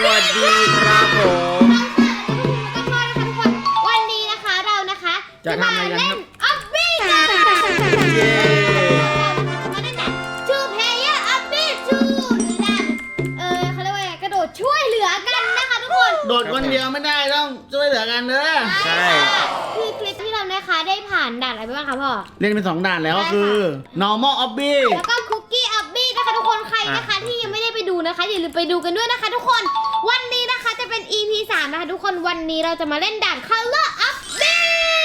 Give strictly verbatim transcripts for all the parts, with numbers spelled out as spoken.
วัสดีครับผมวันนี้นะคะเรานะคะจะมาเล่นออบบี้กันเย้มาเล่นแบบชูเพย์เยอร์ออบบี้ชูหรือแบบเออเขาเรียกว่าไงกระโดดช่วยเหลือกันนะคะทุกคนโดดคนเดียวไม่ได้ต้องช่วยเหลือกันเด้อใช่คือคลิปที่เรานะคะได้ผ่านด่านอะไรไปบ้างคะพ่อเล่นเป็นสองด่านแล้วก็คือ normal obby แล้วก็คุกกี้ออบบี้นะคะทุกคนใครนะคะที่ยังไม่ได้ไปดูนะคะอย่าลืมไปดูกันด้วยนะคะทุกคนวันนี้นะคะจะเป็น อี พี สามนะคะทุกคนวันนี้เราจะมาเล่นด่าน Color Obby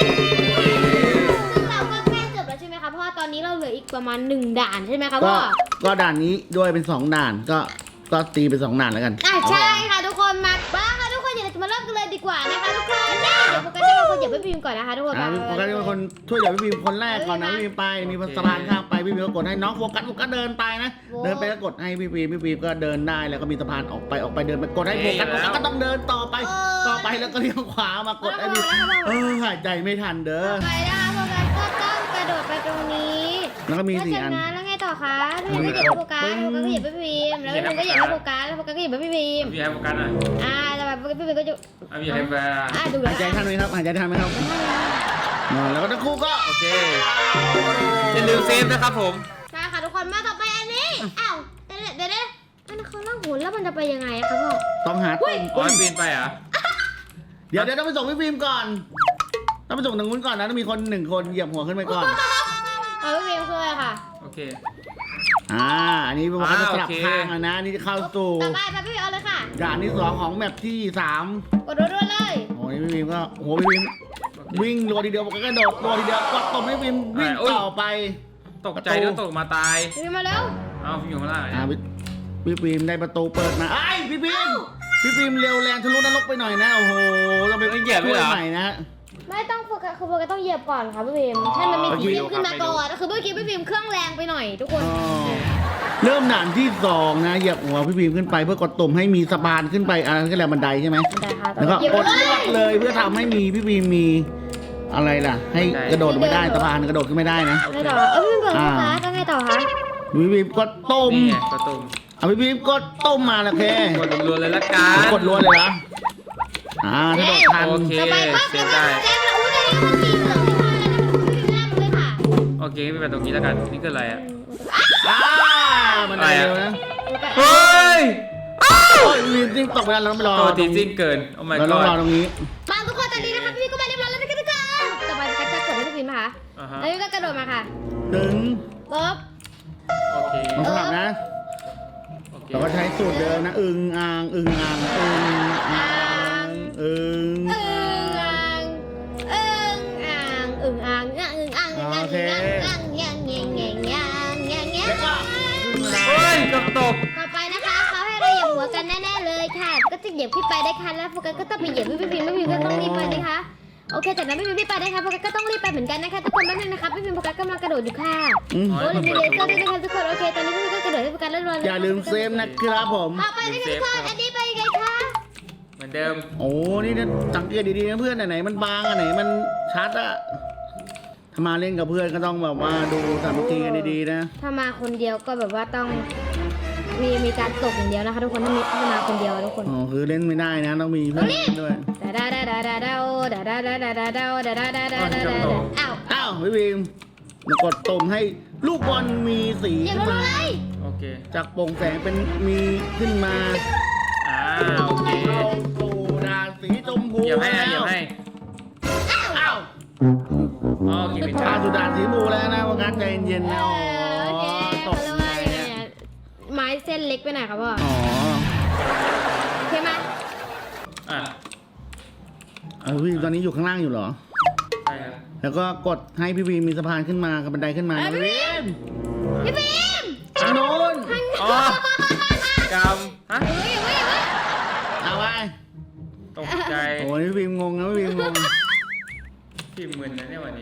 ซึ่งเราก็ใกล้จบแล้วใช่ไหมคะเพราะว่าตอนนี้เราเหลืออีกประมาณหนึ่งด่านใช่ไหมคะก็พ่อก็ด่านนี้ด้วยเป็นสองด่านก็ก็ตีเป็นสองด่านแล้วกันอ่ะใช่ค่ะทุกคนมาบ้าค่ะทุกคนเดี๋ยวเราจะมาเริ่มกันเลยดีกว่านะคะทุกคนเดี๋ยวโฟกัสจะเป็นคนเหยียบพี่พิมก่อนนะคะทุกคนอ่าพี่โฟกัสเป็นคนช่วยเหลือพี่พิมคนแรกก่อนนะพี่พิมไปมีสะพานข้ามไปพี่พิมก็กดให้น้องโฟกัสโฟกัสเดินไปนะเดินไปก็กดให้พี่พิมพี่พิมก็เดินได้แล้วก็มีสะพานออกไปออกไปเดินไปกดให้โฟกัสโฟกัสก็ต้องเดินต่อไปต่อไปแล้วก็เลี้ยวขวามากดให้พี่เออหายใจไม่ทันเด้อไปนะคะโฟกัสก็ต้องกระโดดไปตรงนี้แล้วก็มีสี่อันแล้วจากนั้นแล้วไงต่อคะพี่พิมก็เหยียบโฟกัสโฟกัสก็เหยียบพี่พิมแล้วพี่พิมก็เหยียบโฟกัสแล้วโฟกัสก็เหยียบพี่พิมพี่ให้โฟกัสหน่อยอ่าแต่แบบพี่พิมก็จะอ่ะพี่ให้โฟกัสอ่าดูหายใจทันไหมครับหายใจทันไหมครับอ่าแล้วก็ทั้งคู่ก็โอเคอย่าลืมเซฟนะครับผมมาค่ะทุกคนมาต่อไปอันนี้อ้าวเดี๋ยวเดี๋ยวเดี๋ยวอันนั้นเขาล่องหนแล้วมันจะไปยังไงอะคะพ่อต้องหาอ๋ตุ่อมปีนไปเหรอเดี๋ยวเดี๋ยวต้องไปส่งพี่ฟิล์มก่อนต้องไปส่งทางนู้นก่อนนะต้องมีคนหนึ่งคนเหยียบหัวขึ้นไปก่อนเอาพี่พิมคืออะไรค่ะโอเคอ่าอันนี้เป็นว่าจะสลับอ่าโอเคข้างแล้วนะนี่จะเข้าสู่ต่อไปไปพี่พิมเอาเลยค่ะด่านที่สองของแมปที่สามกดรัวๆเลยโอ้ยพี่ฟิล์มก็โอ้โหพี่ฟิล์มวิ่งรัวทีเดียวก็กระโดดรัวทีเดียวกดตบให้พี่ฟิล์มวิ่งต่อไปตกใจแล้วตกมาตายพี่พิมมาเร็วเอ้าพี่อยู่ข้างล่างอ่าพี่พี่ฟิล์มได้ประตูเปิดมาไอ้ยพี่ฟิล์มพี่ฟิล์มเร็วแรงทะลุนรกไปหน่อยนะโอ้โหต้องไปช่วยใหม่นะไม่ต้องโฟกัสคือโฟกัสต้องเหยียบก่อนค่ะพี่พิมให้มันมีสีโอเคขึ้นมาก่อนคือเมื่อกี้พี่พิมเครื่องแรงไปหน่อยทุกคนอ๋อเริ่มด่านที่สองนะเหยียบหัวพี่ฟิล์มขึ้นไปเพื่อกดตุ่มให้มีสะพานขึ้นไปอ่าก็แหละบันไดใช่ไหมได้ค่ะแล้วก็เหยียบกดเลลวดเลยเพื่อทำให้มีพี่บีมมีอะไรล่ะ ให้กระโดดไม่ได้สะพานกระโดดขึ้นไม่ได้นะไงต่อเออพี่พิมกดโฟกัสแล้วไงต่อคะพี่บีมกดต้มนี่ไงประตูเอาพี่บีมกดต้มมาแล้วเคกดรัวๆเลยละกันกดล้วนเลยเหรออ่าถ้าโดดทันโอเคต่อไปปั๊บเซแล้วฟก็ได้แจ้งแล้วอุ้ยตอนนี้มันสีเหลืองขึ้นมาแล้วนะพี่พิมหน้ามันเลยค่ะโอเคไม่เป็นตรงนี้แล้วกันนี่คืออะไรอ่ะอ่ามันได้เร็วนะเฮ้ยโอ้ยบีมจริงตกไปแล้วเราไม่รอตัวทีจริงเกินโอ้ my เราต้องรอ god ตรงนี้มาทุกคนตอนนี้นะคะพี่พิมก็มาเรียบร้อยแล้วนะคะทุกคนต่อไปก็จะกดให้พี่พิมค่ะอ่าฮะแล้วพี่ก็กระโดดมาค่ะถึงปุ๊บโอเคต้องสลับนะโอเคเราก็ใช้สูตรเดิมนะอึงอ่างอึงอ่างอึงอ่างอึงอึ่งอ่างอึ่งอ่างอึ่งอ่างอึ่งอ่างอึ่งอ่างอึ่งอ่างอึ่งอ่างอ่างแงงแงงแงงแงงแงงแงงแล้วก็อึงอ่างเฮ้ยเกับตกต่อไปนะคะเขาให้เราเหยียบหัวกันแน่ๆเลยค่ะ ก็จะเหยียบขึ้นไปได้ค่ะแล้วโฟกัสก็ต้องไปเหยียบพี่พิมพ์พี่พิมพ์ก็ต้องรีบไปนะคะโอเคจากนั้นพี่พิมพ์รีบไปได้ค่ะโฟกัสก็ต้องรีบไปเหมือนกันนะคะทุกคนแป๊บนึงนะคะพี่พิมพ์โฟกัสกำลังกระโดดอยู่ค่ะอืมโอ้ยมีเลเซอร์ด้วยนะคะทุกคนโอเคตอนนี้พี่พิมพ์ก็กระโดดให้โฟกัสเรียบร้อยแล้วอย่าลืมเซฟนะครับผมต่อไปนะคะทุกคนอันนี้ไปยังไงคะเหมือนเดิมโอ้นี่นะสังเกตดีๆนะเพื่อนอันไหนมันบางอันไหนมันชัดอะถ้ามาเล่นกับเพื่อนก็ต้องแบบว่าดูสามัคคีกันดีๆนะถ้ามาคนเดียวก็แบบว่าต้องมีมีการตกอย่างเดียวนะคะทุกคนถ้ามีถ้ามาคนเดียวทุกคนอ๋อคือเล่นไม่ได้นะต้องมีเพื่อนเล่นด้วยดาดาดาดาดาดาดาดาดาดาดาดาดาดาดาดาดาดาดาอ้าวอ้าวพี่บีมมากดตุ่มให้ลูกบอลมีสีอย่าขึ้นรู้มาเลยโอเคจากโปร่งแสงเป็นมีขึ้นมาอ่าโอเคเข้าสู่ด่านสีชมพูเหยียบให้นะเหยียบให้อ้าวอ๋อโอเคผิดเข้าทางสู่ด่านสีชมพูแล้วนะว่าการใจเย็นๆเอนะออ๋อโอเคตเขากเรียกว่ายังไงอะไม้เส้นเล็กไปหน่อยครับพ่ออ๋อโอเคไหมอ่ะเออพี่ตอนนี้อยู่ข้างล่างอยู่เหรอใช่ครับแล้วก็กดให้พี่บีมมีสะพานขึ้นมากับบันไดขึ้นมานะพี่บีมพี่พิมทางโน้นอ๋อกำฮะเฮ้ยเฮ้ยเฮ้ยเอาไปตกใจโอ้ยพี่บีมงงนะพี่บีมงงพี่มึนนะเนี่ยวันนี้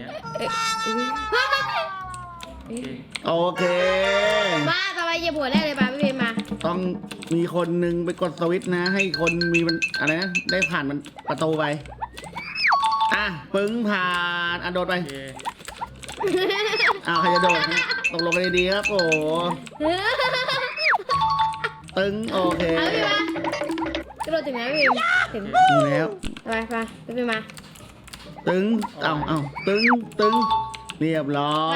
โอเคโอเคมาต่อไปเหยียบหัวแรกเลยมาพี่พิมมาต้องมีคนหนึ่งไปกดสวิตช์นะ ให้คนมีมันอะไรนะได้ผ่านมันประตูไปอ่ะปึ้งผ่านอ่ะโดดไปโอเคอ้าวใครจะโดดนะตกลงกันดีๆครับโอ้โหตึงโอเคเอาพี่มากระโดดถึงไหมพี่พิมถึงดูแล้วไปไปพี่พิมมาตึงเอาเอาตึงตึงเรียบร้อย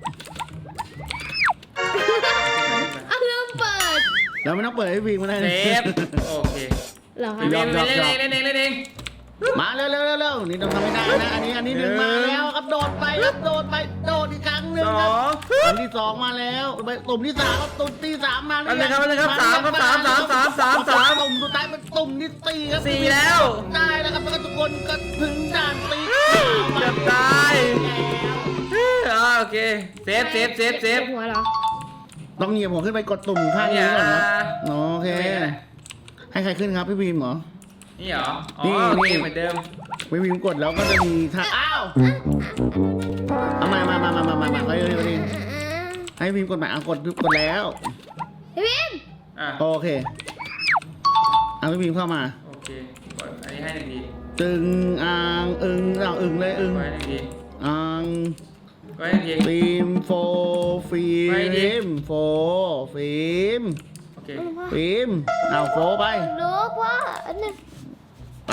เอาเริ่มเปิดแล้วไม่ต้องเปิดให้วิ่งมาได้เซฟโอเคเหรอคะเล่นเล่นเล่นเล่นเล่นเล่นเล่นมาเร็วเร็วเร็วเร็วนี่ต้องทำให้ได้นะอันนี้อันนี้หนึ่งมาแล้วครับโดดไปครับโดดไปโดดอีกครั้งหนึ่งสคอรับงอันที่สองมาแล้วไปตุ่มที่สามครับตุ่มที่สามมาอันนี้ครับอันนี้ครับสามครับสามสามสามสามสามตุ่มสุดท้ายเป็นตุ่มที่สี่ครับสี่แล้วได้แล้วครับแล้วก็ทุกคนก็ถึงด่านสี่เกือบตายอ่าโอเคเซฟเซฟเซฟเซฟหัวเหรอต้องเหยียบหัวขึ้นไปกดตุ่มข้างนี้ก่อนนะโอเคให้ใครขึ้นครับพี่บีมเหรอนี่เหรออ๋นี่อโอเคนี่เหมือนเดิมพี่บีมกดแล้วก็จะมีท่าอ้าวเอามามามามามามามาไปเลยไปเลยให้พี่บีมกดใหม่เอากดกดแล้วพี่พิมอ่ะโอเคเอาพี่บีมเข้ามาโอเคกดอันนี้ให้หนึ่งทีตึงอ่างอึงเอาอึงเลยอึงกดให้หนึ่งทีอ่างกดให้หนึ่งทีฟิล์มโฟฟิล์มโฟฟิล์มโอเคฟิล์มเอาโฟไปรู้ว่าอันนึงไป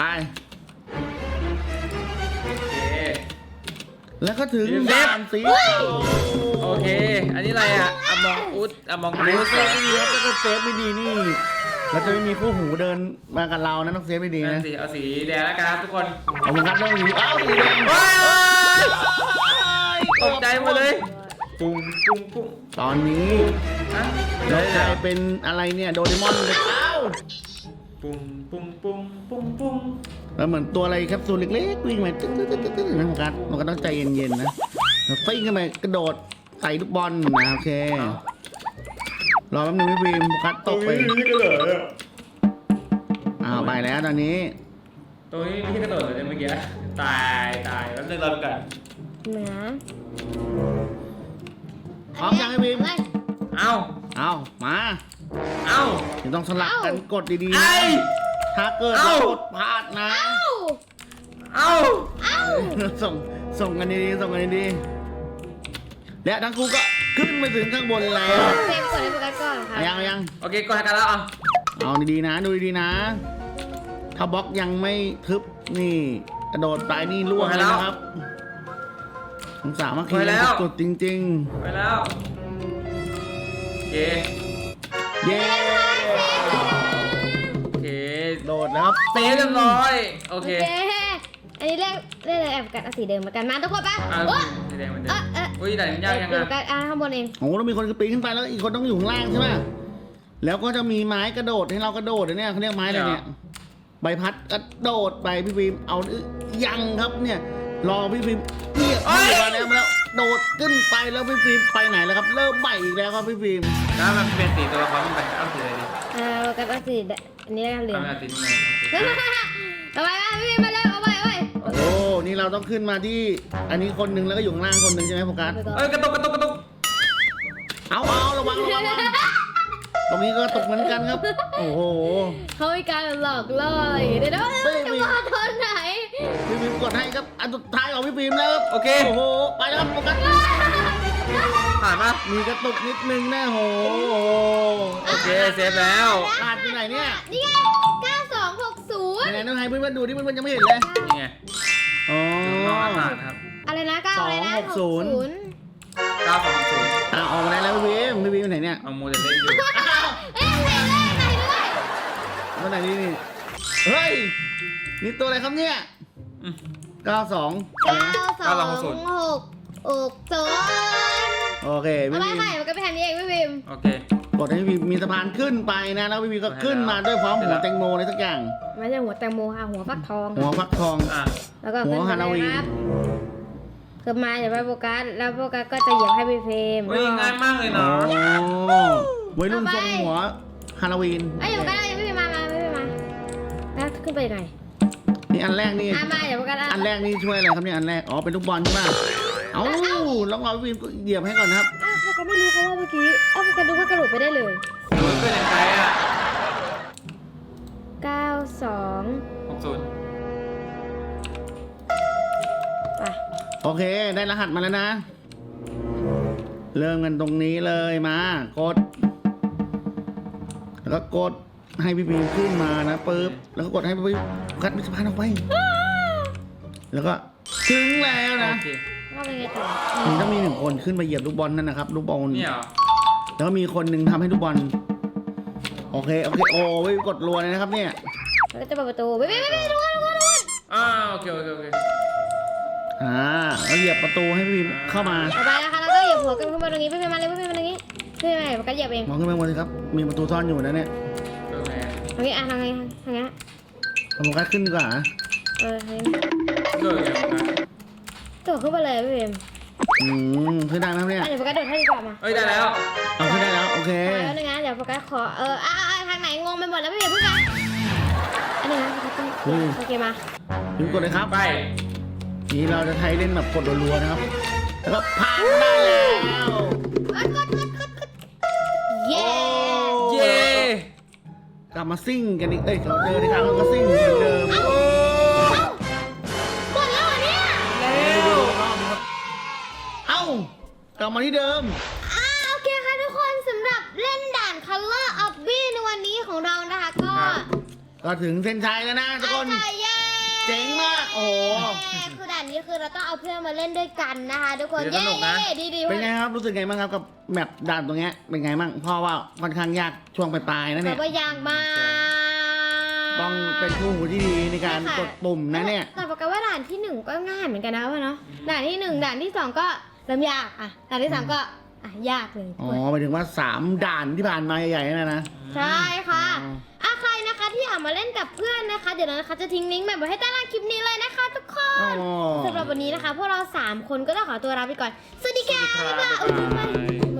โอเคแล้วก็ถึงฟิล์มด่านสีโอเค อันนี้อะไรอ่ะอมองอุดอมองเซอุฟดไม่ดีครับถ้าเกิดเซฟไม่ดีนี่เราจะไม่มีคู่หูเดินมากับเรานะต้องเซฟไม่ดีนั่นะนสิเอาสีแดงแล้วกันครับทุกคนขอบคุณครับน้องหมีอ้าวสีแดงว้ายตกใจหมดเลยปุ้งปุ้งปุ้งตอนนี้ฮะเรากลายเป็นอะไรเนี่ยโดเรมอนเลยอ้าวปุ้งปุ้งปุ้งปุ้งปุ้งแล้วเหมือนตัวอะไรแคปซูลเล็กๆวิ่งมาตึ๊ดตึ๊ดตึ๊ดตึ๊ดนะโฟกัสเราก็ต้องใจเย็นๆนะเราฟิ้งขึ้นไปกระโดดใส่ลูกบอลนะโอเครอแป๊บนึงพี่บีมโฟกัสตกไปอ้าวไปแล้วตอนนี้ตัวนี้ไม่ใช่กระโดดเลยเมื่อกี้ตายตายแล้วนึงเราดูกันเหนือพร้อมยังพี่บีมเลยเอ้าเอามาเอ้าเดี๋ยวต้องสลับกันกดดีๆไอ้นะถ้าเกิดเอ้าเรากดพลาดนะเอ้าเอ้าเอ้าส่งส่งกันดีๆส่งกันดีๆและทั้งคู่ก็ขึ้นไปถึงข้างบนแล้วเซฟกดให้โฟกัสก่อนค่ะเอายังเอายังโอเคกดให้กันแล้วอ่ะเอาดีๆนะดูดีๆนะ ถ้าบล็อกยังไม่ทึบนี่กระโดดไปนี่ล่วงเลยนะครับสงสารมากทีสุดจริงไปแล้วโอเคๆ เย้โอเคโดดแล้วครับเซฟเรียบร้อยโอโอเคเคอันนี้เรียกเรียกอะไรแอบกันเอาสีเดิมเหมือนกันมาทุกคนปะอ่ะโอ้สีแดงเหมือนเดิเอมอเอออุ้ยแต่ยากยังเดี๋ยวไงกันอ่าข้างบนเองโอ้โหแล้วมีคนปีนขึ้นไปแล้วอีกคนต้องอยู่ข้างล่างใช่ไหมแล้วก็จะมีไม้กระโดดให้เรากระโดดเนี่ยเขาเรียกไม้อะไรเนี่ย ใบพัดกระโดดไปพี่ฟิล์มเอายังครับเนี่ยรอพี่ฟิล์มเรียกพี่มาแล้วมาแล้วโดดขึ้นไปแล้วพี่ฟิล์มไปไหนแล้วครับเริ่มใหม่อีกแล้วครับพี่ฟิล์มแล้วมันเป็นสีตัวละครมันไปเอาสีอะไรดีเออโฟกัสเอาสีแดงอันนี้เหลืองเอาสีนี้เอาไว้มาพี่มาเร็วเอาไว้เอาไว้โอ้นี่เราต้องขึ้นมาที่อันนี้คนหนึ่งแล้วก็อยู่ข้างล่างคนหนึ่งใช่ไหมโฟกัสไปก่อนเอ้ยกระตุกกระตุกกระตุกเอาเอาระวังระวังระวังตรงนี้ก็ตกเหมือนกันครับ โอ้โหเขามีการหลอกล่ออะไรอย่างเงี้ยเดี๋ยวนะจะมาตอนไหนพี่ฟิล์มกดให้ครับอันสุดท้ายของพี่ฟิล์มแล้วครับโอเคโอ้โหไปแล้วครับโฟกัสผ่านปะมีกระตุกนิดนึงนะโอ้โหโอเคเซฟแล้วขาดที่ไหนเนี่ยนี่ไงเก้าสองหกศูนย์ไหนๆต้องให้เพื่อนๆดูที่เพื่อนๆยังไม่เห็นเลยนี่ไงอ๋อนอกอากาศครับอะไรนะเก้าอะไรนะสองหกศูนย์เก้าสองศูนย์อ่ะออกมาได้แล้วพี่บีมพี่บีมไปไหนเนี่ยเอาโมเดลเล่นอยู่เอ๊ะไหนเลขไหนด้วยมาไหนนี่นี่เฮ้ยนี่ตัวอะไรครับเนี่ยอืมเก้าสองเก้าสองหกหกศูนย์โอเคเอาพี่ไปบีมค่ะมันก็ไปทางนี้เองพี่บิมโอเคกดให้พี่บีมมีสะพานขึ้นไปนะแล้วพี่บีมก็ขึ้นมาด้วยพร้อมหัวแตงโมอะไรสักอย่างไม่ใช่หัวแตงโมค่ะหัวฟักทองหัวฟักทองอ่ะแล้วก็หัขึ้วนไปฮาโลวีนครับขึ้นมาเดี๋ยวไปโฟกัสแล้วโฟกัสก็จะเหยียบให้พี่เฟรมเฮ้ยง่ายมากเลยอ๋เนาะอวัยรุ่นทรงหัวฮาโลวีนไอ้ยเดี๋ยวโฟกัสเอาพี่เฟรมมามาพี่เฟรมมาแล้วขึ้นไปยังไงนี่อันแรกนี่อ่ะมาเดี๋ยวโฟกัสอันแรกนี่ช่วยอะไรครับเนี่ยอันแรกอ๋อเป็นลูกบอลใช่ไหมเอ้าลองเอาพี่บีมเหยียบให้ก่อนนะครับอ้าวโฟกัสไม่รู้เขาว่าเมื่อกี้อ้าวโฟกัสดูว่ากระโดดไปได้เลยมันเป็นยังไงอ่ะเก้าสองหกศูนย์ไปโอเคได้รหัสมาแล้วนะ เริ่มกันตรงนี้เลยมากด แล้วก็กดให้พี่บีมขึ้นมานะปึ๊บแล้วก็กดให้พี่บีมกัดมิสพานออกไปแล้วก็ถึงแล้วนะโอเคว่าเป็นไงต่อมันต้องมีหนึ่งคนขึ้นมาเหยียบลูกบอลนั่นนะครับลูกบอลนี่เหรอแล้วก็มีคนหนึ่งทำให้ลูกบอลโอเคโอเคโอ้ยกดรัวเลยนะครับเนี่ยแล้วก็จะเปิดประตูไม่ไม่ไม่ไม่ทุกคนทุกคนทุกคนอ่าโอเคโอเคโอเคอ่าแล้วเหยียบประตูให้พี่บีมเข้ามาต่อไปนะคะแล้วก็เหยียบหัวกันขึ้นมาตรงนี้ไม่เป็นมาเลยไม่เป็นมาตรงนี้ไม่เป็นมาเลยโฟกัสเหยียบเองมองขึ้นไปบนสิครับมีประตูซ่อนอยู่นะเนี่ยโอเคตรงนี้อ่ะทางไงทางนี้เอาโฟกัสขึ้นดีกว่าเออทางนี้โดดยังไงโดดขึ้นมาเลยพี่เบมอืมขึ้นได้ไหมครับเนี่ยอ่ะเดี๋ยวโฟกัสโดดให้ดีกว่ามาเอ้ยได้แล้วเอาขึ้นได้แล้วโอเคแล้วนึงนะเดี๋ยวโฟกัสขอเอออ่ะอ่ะทางไหนงงไปหมดแล้วพี่เบมพูดกันอันนี้นะโฟกัสต้องโอเคมาพิมพ์กดเลยครับไปนี่เราจะใช้เล่นแบบกดรัวๆนะครับแล้วก็ผ่านได้แล้วกดกดกดกดกดเย้เย้กลับมาซิ่งกันอีกเอ้ยเราเจอในครั้งเราก็ซิ่งเหมือนเดิมหมดแล้วเหรอเนี่ยแล้วเอ้ากลับมาที่เดิมอ่าโอเคค่ะทุกคนสำหรับเล่นด่าน Color of B ในวันนี้ของเรานะคะก็ก็ถึงเส้นชัยแล้วนะทุกคนอ่ะเย้เจ๋งมากโอ้โหคือด่านนี้คือเราต้องเอาเพื่อนมาเล่นด้วยกันนะคะทุกคนเย้ดีดีเป็นไงครับรู้สึกไงบ้างครับกับแมปด่านตรงเนี้ยเป็นไงบ้างเพราะว่าค่อนข้างยากช่วงปลายๆนะแต่เนี่ยว่ายากมากต้องเป็นคู่หูที่ดีในการกดปุ่มนะเนี่ยแต่บอกกันว่าด่านที่หนึ่งก็ง่ายเหมือนกันนะว่าเนาะด่านที่หนึ่งด่านที่สองก็เริ่มยากอ่ะด่านที่สามก็อ่ะยากเลยอ๋อหมายถึงว่าสามด่านที่ผ่านมาใหญ่ๆนะนะใช่ค่ะอ๋ออ่ะใครนะคะที่อยากมาเล่นกับเพื่อนนะคะ เดี๋ยวเรานะคะจะทิ้งลิงก์แบบไว้ให้ใต้ล่างคลิปนี้เลยนะคะ ทุกคอ๋นอสำหรับวันนี้นะคะพวกเราสามคนก็ต้องขอตัวลาไปก่อนสวัสดีค่ะสวัสดีครับบ๊ายบายอุ๊ยบ๊ายบายบ๊ายบาย